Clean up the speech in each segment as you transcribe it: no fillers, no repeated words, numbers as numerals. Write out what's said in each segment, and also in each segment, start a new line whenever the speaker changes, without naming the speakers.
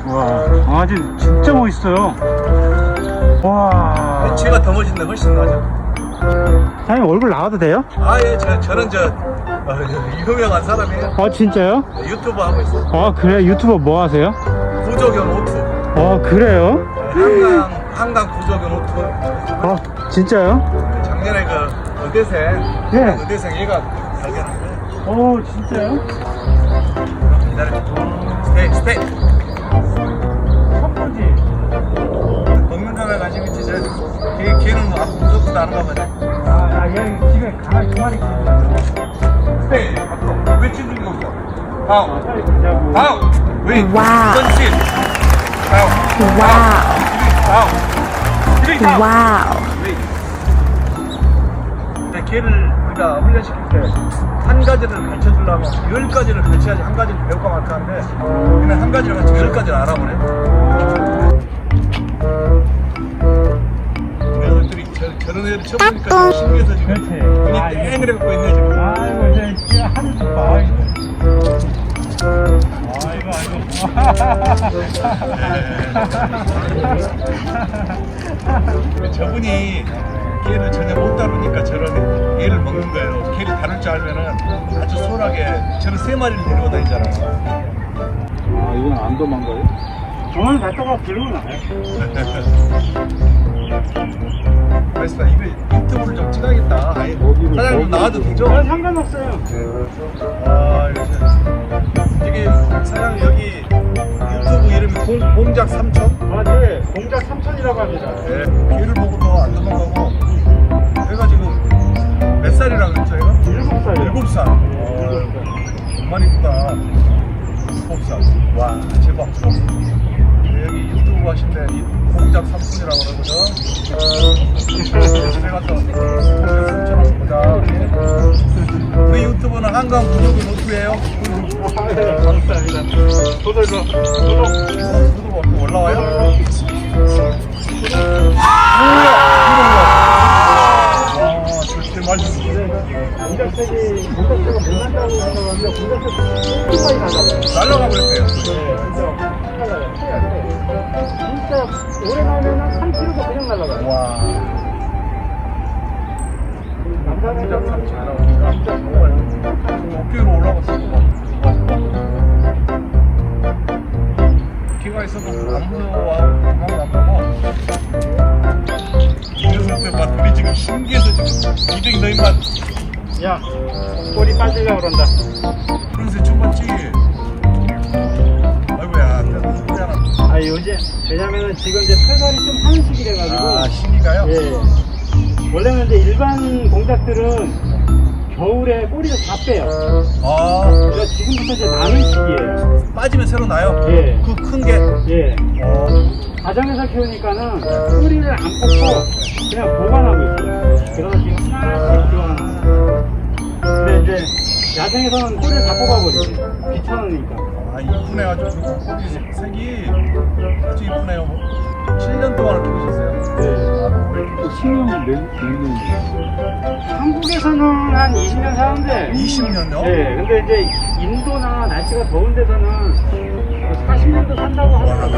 와, 아직 진짜 멋있어요. 와.
쟤가 더 멋있네, 훨씬 나죠.
사장님 얼굴 나와도 돼요?
예, 저는 유명한 사람이에요.
아, 진짜요?
유튜브 하고 있어요.
아, 그래? 유튜버 뭐 하세요?
구조견 오투.
아, 그래요?
한강 구조견 오투.
아, 진짜요?
작년에 의대생,
예.
의대생 얘가 발견한 거예요.
오, 진짜요?
기다려. 스테이.
첫 번째.
먹는 거에 관심 있지, 걔는 뭐 무섭지도 않은가 보네.
얘 집에 강아지 두 마리 키우잖아요.
스테이. 왜 찢는 거죠? 다음. 다음. 왜?
와우.
던진. 다음. 다음.
와우.
걔를 우리가 훈련시킬 때 한 가지를 가르쳐 주려면 10가지를 가르쳐야지 한 가지를 배울까 말까 하는데 그냥 한 가지를 가르쳐 10가지를 알아보네. 녀석들이 저런 애들 쳐보니까 신기해서 지금
그렇지.
그냥 땡을 해갖고 있네 지금.
아이고, 이제 하늘 좀 봐. 아이고.
저분이 걔를 전혀 못 다루니까 저런 얘를 먹는 거예요. 걔를 다룰 줄 알면은 아주 수월하게 저런 3마리를 데리고 다니잖아요.
아, 이건 안 도망가요? 저는 갔다가 들고 나요.
그래서 이거 유튜브를 좀 찍어야겠다. 사장님 나와도 되죠?
상관없어요.
아, 이게 사장님 여기 유튜브 이름이 공작 삼촌?
아, 네. 공작 삼촌이라고 합니다.
네. 걔를 보고도 안 도망가고 얘가 지금 몇 살이라고 그랬죠 얘가?
7살.
7살. 정말 이쁘다. 7살. 와, 제법. 여기 유튜브 하신데 공작 삼촌이라고 그러거든. 집에 가서 공작 삼촌 한번 보자. 우리 유튜브는 한강 구독은 노트예요.
네, 감사합니다. 구독
올라와요? 절대 맛있어.
공작색이 공작색은 못 난다고 생각하는데 공작색 많이 나가요.
날라가 버렸대요.
네, 진짜 오래 나오면 3kg도 그냥 날아가요.
와.
남자는
진짜 정말 어깨로 올라갔어. 기가 있어도 안 무서워하고 도망도 안 가고. 이랬을 때 막 우리 지금 신기해서 지금 이백 너희만
야, 꼬리 빠지려고 그런다.
그래서 춤 봤지. 아이고야, 미안하다.
아, 요즘 왜냐면은 지금 이제 털갈이 좀 하는 시기래가지고.
아, 신기가요?
예. 원래는 이제 일반 공작들은 겨울에 꼬리를 다 빼요.
아,
그러니까 지금부터 이제 나는 시기예요.
빠지면 새로 나요?
예.
그 큰 게?
예.
어.
가정에서 키우니까는 꼬리를 안 뽑고 그냥 보관하고 있어요. 그래서 지금 하나씩 키워놔요. 근데 이제 야생에서는 꼬리를 다 뽑아버리지. 귀찮으니까.
아, 이쁘네 아주. 거기 색이 아주 이쁘네요. 7년 동안 키우셨어요?
네.
신혼이 몇 년?
한국에서는 한 20년 사는데
20년요?
네, 근데 이제 인도나 날씨가 더운 데서는 40년도 산다고 하더라고요.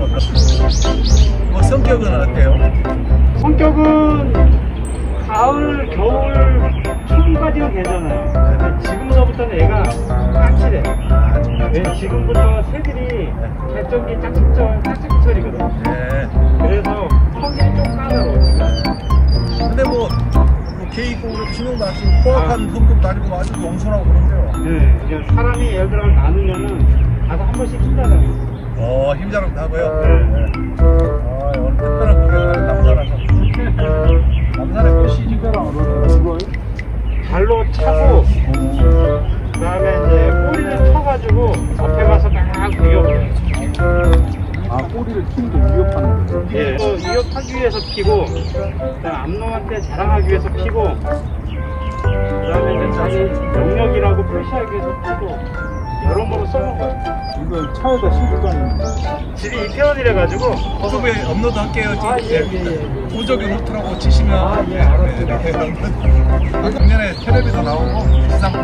뭐 성격은 어때요?
성격은 가을, 겨울, 초까지는 괜찮아요. 근데 지금서부터는 애가 까칠해. 왜 지금부터 새들이 개쩐기 짝짝거리거든.
네.
그래서 성격이 좀 까다로워.
근데 뭐 개 있고 그래도 신혼도 안 쓰고 포악한 성격도 아니고 아주 영순하고 그런데요.
네, 이제 사람이 예를 들어 나누면은 가서 한 번씩 힘나잖아요.
힘자랑도 하고요.
네.
아, 오늘 특별한 구경을 남산에서. 남산에 그 시집가랑 어디서
발로 차고 그다음에 이제 꼬리를 쳐가지고 앞에 가서 막 위협해요.
아, 꼬리를 키는 게 위협하는 거예요?
예, 위협하기 위해서 피고 그다음에 암놈한테 자랑하기 위해서 피고 그다음에 이제 자기 영역이라고 표시하기 위해서 피고 여러모로 써먹어요.
이건 차에다 싣고 다니는 거예요?
집이 이태원이라가지고
유튜브에 업로드 할게요.
예.
보조교 노트라고 치시면.
예, 알았어요.
작년에 텔레비전 나오고 지상파.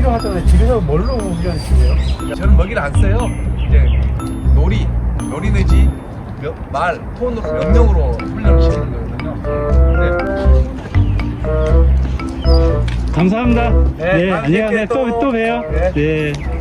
집이로 갔잖아요. 집에서 뭘로 훈련시켜요?
저는 먹이를 안 써요. 이제 놀이 내지 말, 톤으로 명령으로 훈련을 시키는 거거든요.
감사합니다.
네, 다음에
안녕하세요.
뵐게요, 또.
또 봬요.
네.
네.